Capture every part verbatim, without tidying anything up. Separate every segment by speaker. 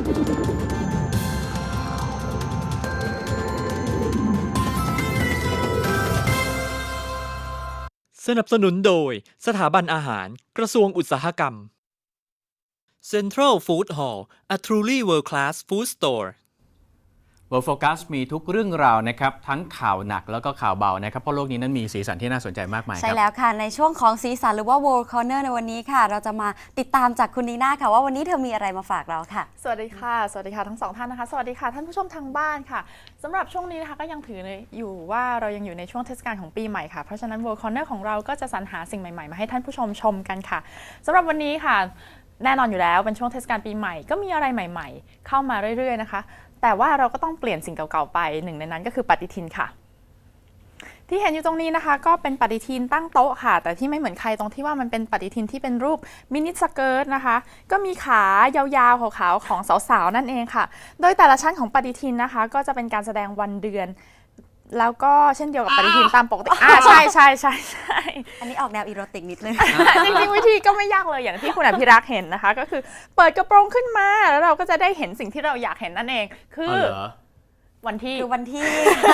Speaker 1: สนับสนุนโดยสถาบันอาหารกระทรวงอุตสาหกรรม Central Food Hall a truly world-class food store
Speaker 2: World Focus มีทุกเรื่องราวนะครับทั้งข่าวหนักแล้วก็ข่าวเบานะครับเพราะโลกนี้นั้นมีสีสันที่น่าสนใจมากมายครับ
Speaker 3: ใช่แล้วค่ะในช่วงของสีสันหรือว่า World Corner ในวันนี้ค่ะเราจะมาติดตามจากคุณนีน่าค่ะว่าวันนี้เธอมีอะไรมาฝากเราค่ะ
Speaker 4: สวัสดีค่ะสวัสดีค่ะทั้งสองท่านนะคะสวัสดีค่ะท่านผู้ชมทางบ้านค่ะสำหรับช่วงนี้นะคะก็ยังถืออยู่ว่าเรายังอยู่ในช่วงเทศกาลของปีใหม่ค่ะเพราะฉะนั้น World Corner ของเราก็จะสรรหาสิ่งใหม่ๆมาให้ท่านผู้ชมชมกันค่ะสำหรับวันนี้ค่ะแน่นอนอยู่แล้วเป็นช่วงเทศกาลปีใหม่ก็มีอะไรใหม่ๆเข้ามาเรื่อยๆนะคะแต่ว่าเราก็ต้องเปลี่ยนสิ่งเก่าๆไปหนึ่งในนั้นก็คือปฏิทินค่ะที่เห็นอยู่ตรงนี้นะคะก็เป็นปฏิทินตั้งโต๊ะค่ะแต่ที่ไม่เหมือนใครตรงที่ว่ามันเป็นปฏิทินที่เป็นรูปมินิสเกิร์ตนะคะก็มีขายาวๆขาวๆของสาวๆนั่นเองค่ะโดยแต่ละชั้นของปฏิทินนะคะก็จะเป็นการแสดงวันเดือนแล้วก็เช่นเดียวกับปฏิทินตามปกติอ่าใช่ใช่ใช่ใช่
Speaker 3: อันนี้ออกแนวอีโรติกนิดนึง
Speaker 4: จริงๆวิธีก็ไม่ยากเลยอย่างที่คุณอภิรักษ์เห็นนะคะก็คือเปิดกระโปรงขึ้นมาแล้วเราก็จะได้เห็นสิ่งที่เราอยากเห็นนั่นเองคือวันที่
Speaker 3: คือวันที่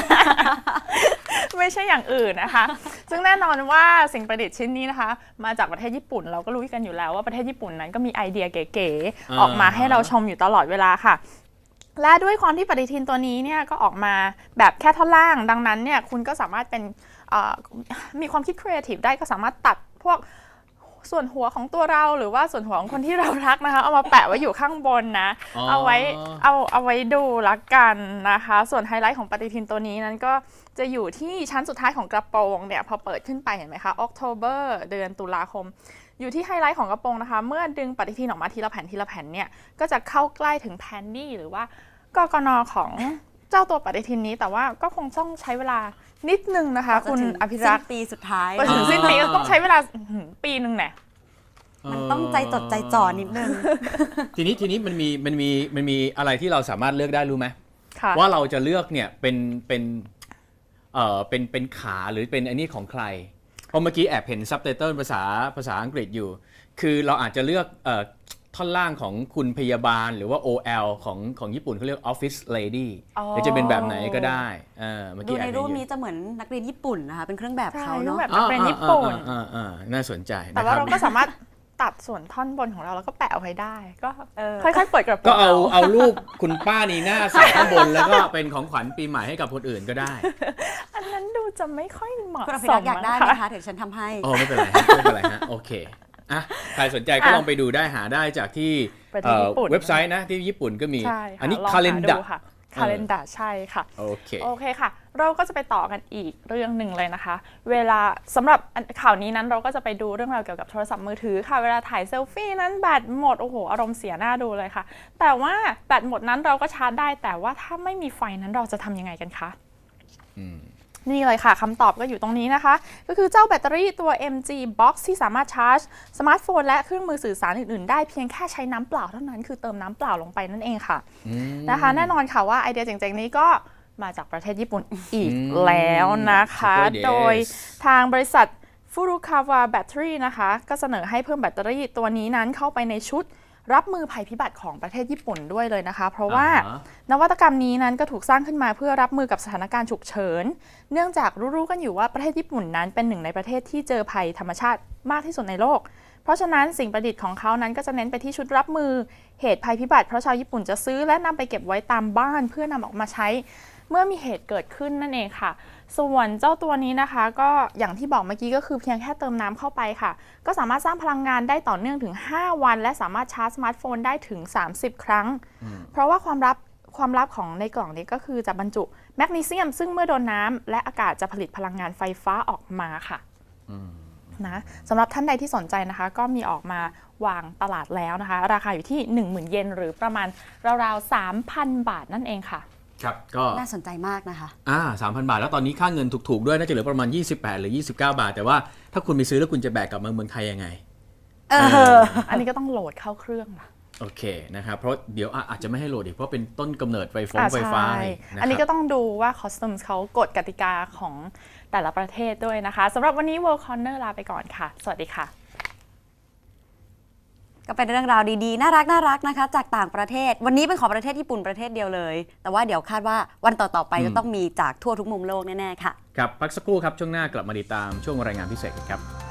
Speaker 4: ไม่ใช่อย่างอื่นนะคะซึ่งแน่นอนว่าสิ่งประดิษฐ์ชิ้นนี้นะคะมาจากประเทศญี่ปุ่นเราก็รู้กันอยู่แล้วว่าประเทศญี่ปุ่นนั้นก็มีไอเดียเก๋ๆออกมาให้เราชมอยู่ตลอดเวลาค่ะและด้วยความที่ปฏิทินตัวนี้เนี่ยก็ออกมาแบบแค่ท่อนล่างดังนั้นเนี่ยคุณก็สามารถเป็นมีความคิดครีเอทีฟได้ก็สามารถตัดพวกส่วนหัวของตัวเราหรือว่าส่วนหัวของคนที่เรารักนะคะเอามาแปะไว้อยู่ข้างบนนะเอาไว้เอาเอาไว้ดูละกันนะคะส่วนไฮไลท์ของปฏิทินตัวนี้นั้นก็จะอยู่ที่ชั้นสุดท้ายของกระโปรงเนี่ยพอเปิดขึ้นไปเห็นไหมคะ October เดือนตุลาคมอยู่ที่ไฮไลท์ของกระโปรงนะคะเมื่อดึงปฏิทินออกมาทีละแผ่นทีละแผ่นเนี่ยก็จะเข้าใกล้ถึงแพนดี้หรือว่ากกน.ของเจ้าตัวปฏิทินนี้แต่ว่าก็คงต้องใช้เวลานิดนึงนะคะคุณอภิรักษ์
Speaker 3: ปีสุดท้าย
Speaker 4: ไปถึงสิ้นปีต้องใช้เวลาปีนึงแน่
Speaker 3: มันต้องใจจดใจจ่อนิดนึง
Speaker 2: ทีนี้ทีนี้มันมีมันมีมันมีอะไรที่เราสามารถเลือกได้รู้ไหม
Speaker 4: ว่า
Speaker 2: ว่าเราจะเลือกเนี่ยเป็นเป็นเอ่อเป็นเป็นขาหรือเป็นอันนี้ของใครเพราะเมื่อกี้แอบเห็นซับไตเติลภาษาภาษาอังกฤษอยู่คือเราอาจจะเลือกเอ่อท่อนล่างของคุณพยาบาลหรือว่า โอ แอล ของของญี่ปุ่นเขาเรียก Office Lady หรือจะเป็นแบบไหนก็ได้เออเมื่อกี้
Speaker 3: ดูในรูปนี้จะเหมือนนักเรียนญี่ปุ่นนะคะเป็นเครื่องแบบเขาเนาะ
Speaker 4: แบบนักเรียนญี่ปุ่น
Speaker 2: น่าสนใจ
Speaker 4: แต่ว่าเราก็สามารถตัดส่วนท่อนบนของเราแล้วก็แปะเอาไว้ได้ก็ค่อยๆเปิดกระโปรง
Speaker 2: ก็เอาเอารูปคุณป้านีน่าใส่ข้างบนแล้วก็เป็นของขวัญปีใหม่ให้กับคนอื่นก็ได้
Speaker 4: อันนั้นดูจะไม่ค่อยเหมาะ
Speaker 3: สมอยากได้ไหมคะเดี๋ยวฉันทำให้
Speaker 2: อ๋อไม่เป็นไรไม่เป็นไรฮะโอเคอ่ะใครสนใจก็ลองไปดูได้หาได้จากที่เว็บไซต์นะที่ญี่ปุ่นก็มีอันนี้ calendar
Speaker 4: calendar ใช่ค่ะ
Speaker 2: โอเค
Speaker 4: โอเคค่ะเราก็จะไปต่อกันอีกเรื่องหนึ่งเลยนะคะเวลาสำหรับข่าวนี้นั้นเราก็จะไปดูเรื่องราวเกี่ยวกับโทรศัพท์มือถือค่ะเวลาถ่ายเซลฟี่นั้นแบตหมดโอ้โหอารมณ์เสียหน้าดูเลยค่ะแต่ว่าแบตหมดนั้นเราก็ชาร์จได้แต่ว่าถ้าไม่มีไฟนั้นเราจะทำยังไงกันคะนี่เลยค่ะคำตอบก็อยู่ตรงนี้นะคะก็คือเจ้าแบตเตอรี่ตัว เอ็ม จี Box ที่สามารถชาร์จสมาร์ทโฟนและเครื่องมือสื่อสารอื่นๆได้เพียงแค่ใช้น้ำเปล่าเท่านั้นคือเติมน้ำเปล่าลงไปนั่นเองค่ะนะคะแน่นอนค่ะว่าไอเดียเจ๋งๆนี้ก็มาจากประเทศญี่ปุ่นอีกแล้วนะคะโดยทางบริษัท Furukawa Battery นะคะก็เสนอให้เพิ่มแบตเตอรี่ตัวนี้นั้นเข้าไปในชุดรับมือภัยพิบัติของประเทศญี่ปุ่นด้วยเลยนะคะเพราะว่านวัตกรรมนี้นั้นก็ถูกสร้างขึ้นมาเพื่อรับมือกับสถานการณ์ฉุกเฉินเนื่องจากรู้ๆกันอยู่ว่าประเทศญี่ปุ่นนั้นเป็นหนึ่งในประเทศที่เจอภัยธรรมชาติมากที่สุดในโลกเพราะฉะนั้นสิ่งประดิษฐ์ของเขานั้นก็จะเน้นไปที่ชุดรับมือเหตุภัยพิบัติเพราะชาวญี่ปุ่นจะซื้อและนำไปเก็บไว้ตามบ้านเพื่อนำออกมาใช้เมื่อมีเหตุเกิดขึ้นนั่นเองค่ะส่วนเจ้าตัวนี้นะคะก็อย่างที่บอกเมื่อกี้ก็คือเพียงแค่เติมน้ำเข้าไปค่ะก็สามารถสร้างพลังงานได้ต่อเนื่องถึงห้าวันและสามารถชาร์จสมาร์ทโฟนได้ถึงสามสิบครั้งเพราะว่าความลับความลับของในกล่องนี้ก็คือจะบรรจุแมกนีเซียมซึ่งเมื่อโดนน้ำและอากาศจะผลิตพลังงานไฟฟ้าออกมาค่ะนะสำหรับท่านใดที่สนใจนะคะก็มีออกมาวางตลาดแล้วนะคะราคาอยู่ที่ หนึ่งหมื่น เยนหรือประมาณราวๆ สามพัน บาทนั่นเองค่ะ
Speaker 2: ครับก็
Speaker 3: น่าสนใจมากนะคะ
Speaker 2: อ่า สามพัน บาทแล้วตอนนี้ค่าเงินถูกๆด้วยน่าจะเหลือประมาณยี่สิบแปดหรือยี่สิบเก้าบาทแต่ว่าถ้าคุณไปซื้อแล้วคุณจะแบกกลับมาเมืองไทยยังไง
Speaker 3: เออ
Speaker 4: อันนี้ก็ต้องโหลดเข้าเครื่องนะ
Speaker 2: โอเคนะครับเพราะเดี๋ยวอาจจะไม่ให้โหลดอีกเพราะเป็นต้นกำเนิดไฟฟ้าไฟฟ้า
Speaker 4: อันนี้ก็ต้องดูว่าคอสตูมเขากฎกติกาของแต่ละประเทศด้วยนะคะสำหรับวันนี้ World Corner ลาไปก่อนค่ะสวัสดีค่ะ
Speaker 3: ก็เป็นเรื่องราวดีๆน่ารักน่ารักนะคะจากต่างประเทศวันนี้เป็นของประเทศญี่ปุ่นประเทศเดียวเลยแต่ว่าเดี๋ยวคาดว่าวันต่อๆไปจะต้องมีจากทั่วทุกมุมโลกแน่ๆค่ะ
Speaker 2: ครับพักสักครู่ครับช่วงหน้ากลับมาติดตามช่วงรายงานพิเศษกันครับ